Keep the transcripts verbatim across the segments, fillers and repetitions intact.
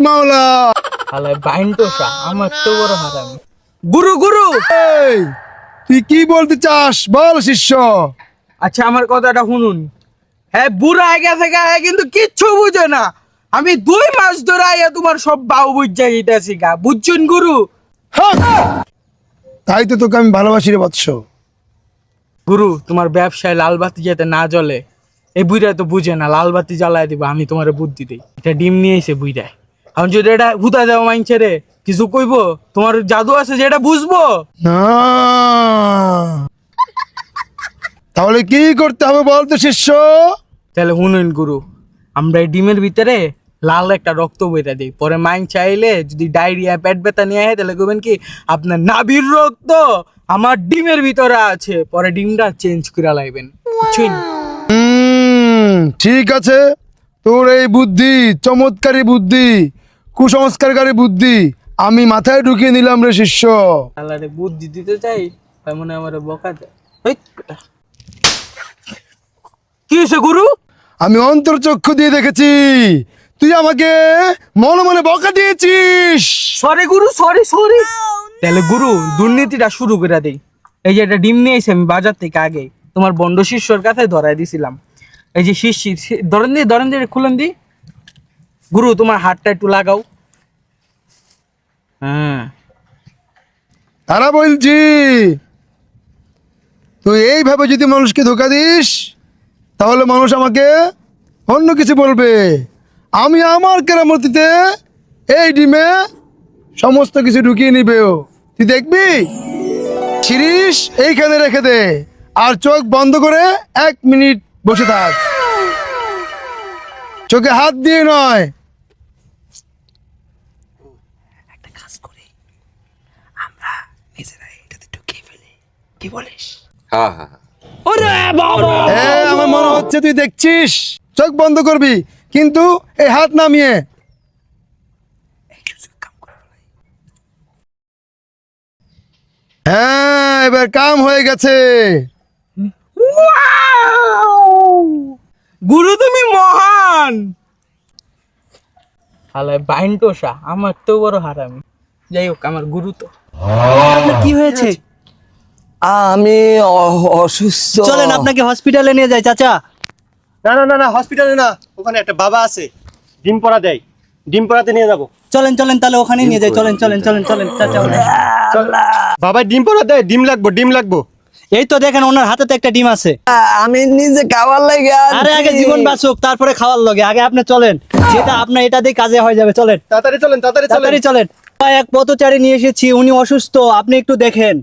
মাওলা। আলে বাইন্টোসা আমার তো বড় হারামি। গুরু গুরু এই তুই কি বলতে চাস বল শিষ্য। আচ্ছা আমার কথাটা শুনুন। হ্যাঁ বুড়া হয়ে গেছে গায়ে কিন্তু কিচ্ছু বুঝে না। আমি দুই মাস ধরে আইয়া তোমার সব বাউ বুঝা গিয়েছি গা, বুঝছেন গুরু? হক! তাই তো তোকে আমি ভালোবাসি রে বৎস। গুরু তোমার ব্যবসায় লাল বাতি যাতে না জ্বলে, এই বুইরা তো বুঝে না। লাল বাতি জ্বালায় দিব, আমি তোমার বুদ্ধি দিই। এটা ডিম নিয়ে এসে বুইরায়, এখন যদি এটা হুতা দেওয়া মাইনছে রে কিছু কইব, তোমার জাদু আছে যেটা বুঝবো না, তাহলে কি করতে হবে বলতো শিষ্য? তাহলে শুনুন গুরু, আমরা এই ডিমের ভিতরে লাল একটা রক্ত বইটা দিই, পরে মাইন চাইলে যদি ডায়রিয়া পেট ব্যথা নিয়ে আয় তাহলে কইবেন কি আপনার নাভির রক্ত আমার ডিমের ভিতরে আছে, পরে ডিমটা চেঞ্জ করে লাইবেন, বুঝছেন? হুম, ঠিক আছে। তোর এই বুদ্ধি, চমৎকারী বুদ্ধি, কুসংস্কারকারী বুদ্ধি আমি মাথায় ঢুকিয়ে নিলাম রে শিষ্য। আল্লাহরে বুদ্ধি দিতে চাই তাই মনে হয় আমার বকা দেয়। হেই, বেটা। কি হয়েছে গুরু? আমি অন্তর্চক্ষু দিয়ে দেখেছি তুই আমাকে মনে মনে বকা দিয়েছিস। সরি গুরু, সরি সরি। তাহলে গুরু দুর্নীতিটা শুরু করে দেই। এই যে একটা ডিম নিয়ে এসে আমি বাজার থেকে আগে তোমার বন্ড শিষ্যর কাছে ধরাই দিছিলাম। এই যে শিষ্যি ধরেন দি ধরেন দি খুলেন দি। গুরু তোমার হাতটা একটু লাগাও। হ্যাঁ তারা বলছি তুই এইভাবে যদি মানুষকে ধোকা দিস তাহলে মানুষ আমাকে অন্য কিছু বলবে। আমি আমার কেরামতিতে এই ডিমে সমস্ত কিছু ঢুকিয়ে নিবে। তুই দেখবি, শিরিষ এইখানে রেখে দে আর চোখ বন্ধ করে এক মিনিট বসে থাক। চোখে হাত দিয়ে নয়। একটা কাজ করি, আমরা নিজেরা এটাতে ঢুকিয়ে ফেলি, কি বলিস? হ্যাঁ হ্যাঁ এ, আমার মনে হচ্ছে তুই দেখছিস। চোখ বন্ধ করবি কিন্তু এই হাত নামিয়ে। হ্যাঁ, এবার কাম হয়ে গেছে। গুরু তুমি মহান। হালায় বাইন্টোসা আমার তো বড় হারামি। যাই হোক আমার গুরু তো। কি হয়েছে? আমি অ- অসুস্থ। চলেন আপনাকে হসপিটালে নিয়ে যাই চাচা। না না না না হসপিটালে না, ওখানে একটা বাবা আছে, ডিম পড়া দেয়, ডিম পড়াতে নিয়ে যাবো। চলেন চলেন তাহলে ওখানে নিয়ে যাই। চলেন চলেন চলেন চলেন চাচা। বাবা ডিম পড়া দেয়, ডিম লাগবো ডিম লাগবো। এই তো দেখেন ওনার হাতে তো একটা ডিম আছে। আমি নিজে খাবার লাগে আরে আগে জীবন বাঁচুক তারপরে খাওয়ার লগে, আগে আপনি চলেন, যেটা আপনার এটা দিয়ে কাজে হয়ে যাবে। চলেন তাড়াতাড়ি চলেন তাড়াতাড়ি চলেন। তাড়াতাড়ি চলেন। এক পথচারী নিয়ে এসেছি, উনি অসুস্থ, আপনি একটু দেখেন।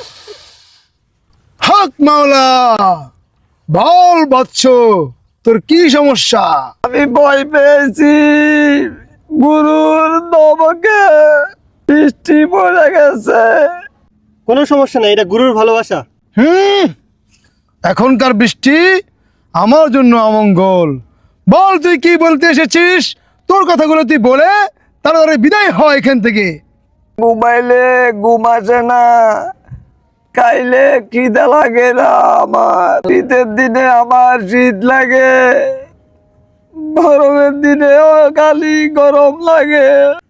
হক মাওলা, বল বৎস তোর কি সমস্যা? আমি ভয় পেয়েছি, গুরুর নবকে বৃষ্টি পড়ে গেছে। কোনো সমস্যা নাই, এটা গুরুর ভালোবাসা। হুম, এখনকার বৃষ্টি আমার জন্য অমঙ্গল। বল তুই কি বলতে এসেছিস? তোর কথাগুলো তুই বলে তারপরে বিদায় হয় এখান থেকে। ঘুমাইলে ঘুম আসে না, খাইলে খিদে লাগে না, আমার শীতের দিনে আমার শীত লাগে, গরমের দিনেও খালি গরম লাগে।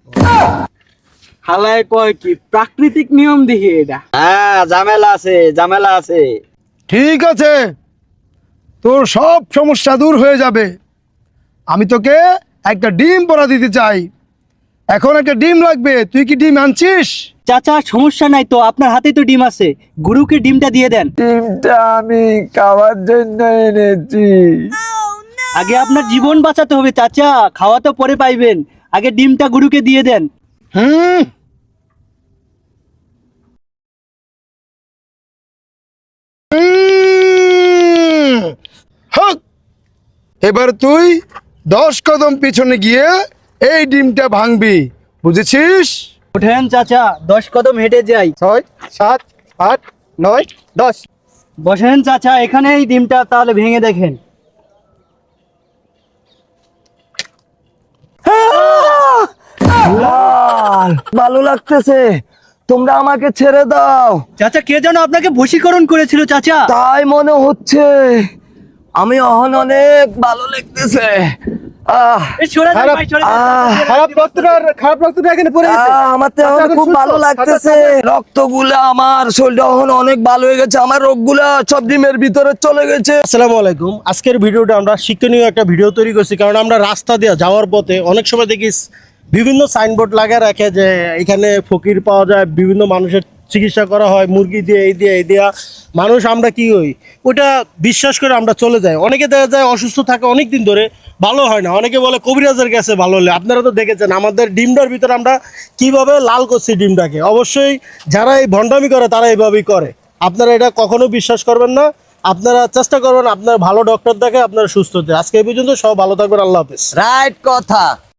হালায় কয় কি প্রাকৃতিক নিয়ম দেখে এটা। হ্যাঁ ঝামেলা আছে, ঝামেলা আছে। ঠিক আছে, তোর সব সমস্যা দূর হয়ে যাবে। আমি তোকে একটা ডিম পরা দিতে চাই। এখন একটা ডিম লাগবে, তুই কি ডিম আনছিস? চাচা সমস্যা নাই তো, আপনার হাতে তো ডিম আছে, গুরুকে ডিমটা দিয়ে দেন। ডিমটা আমি খাওয়ার জন্য এনেছি। আগে আপনার জীবন বাঁচাতে হবে চাচা, খাওয়া তো পরে পাইবেন, আগে ডিমটা গুরুকে দিয়ে দেন। হুম, হুম, হক। এবার তুই দশ কদম পিছনে গিয়ে এই ডিমটা ভাঙবি, বুঝেছিস? ওঠেন চাচা, দশ কদম হেঁটে যাই। ছয় সাত আট নয় দশ। বসেন চাচা, এখানে এই ডিমটা তাহলে ভেঙে দেখেন। ভালো লাগতেছে, তোমরা আমাকে ছেড়ে দাও। চাচা কে যেন আপনাকে বশীকরণ করেছিল চাচা। তাই মনে হচ্ছে, আমি অহন অনেক ভালো লাগতেছে। আহ এই সরে যান খারাপ- ভাই, সরে যান। আহ খারাপ রক্তটা খারাপ রক্তটা এখানে পড়ে গেছে আহ, আমার তো এখন আচ্ছা, এখন খুব সুস্থ। ভালো লাগতেছে রক্তগুলা আমার শরীরটা এখন অনেক ভালো হয়ে গেছে আমার রোগগুলা সব ডিমের ভিতরে চলে গেছে আসসালামু আলাইকুম আজকের ভিডিওটা আমরা শিক্ষণীয় একটা ভিডিও তৈরি করছি কারণ আমরা রাস্তা দিয়ে যাওয়ার পথে অনেক সময় দেখি বিভিন্ন সাইনবোর্ড লাগিয়ে রাখে যে এখানে ফকির পাওয়া যায় বিভিন্ন মানুষের চিকিৎসা করা হয় মুরগি দিয়ে এই দিয়ে এই দিয়া মানুষ আমরা কি হই ওটা বিশ্বাস করে আমরা চলে যাই অনেকে দেখা যায় অসুস্থ থাকে অনেক দিন ধরে ভালো হয় না অনেকে বলে কবিরাজের কাছে ভালো হলে আপনারা তো দেখেছেন আমাদের ডিমটার ভিতরে আমরা কিভাবে লাল করছি ডিমটাকে অবশ্যই যারা এই ভণ্ডামি করে তারা এইভাবেই করে আপনারা এটা কখনো বিশ্বাস করবেন না আপনারা চেষ্টা করবেন আপনার ভালো ডক্টর দেখে আপনারা সুস্থ হতে আজকে এই পর্যন্ত সব ভালো থাকবেন আল্লাহ হাফেজ রাইট কথা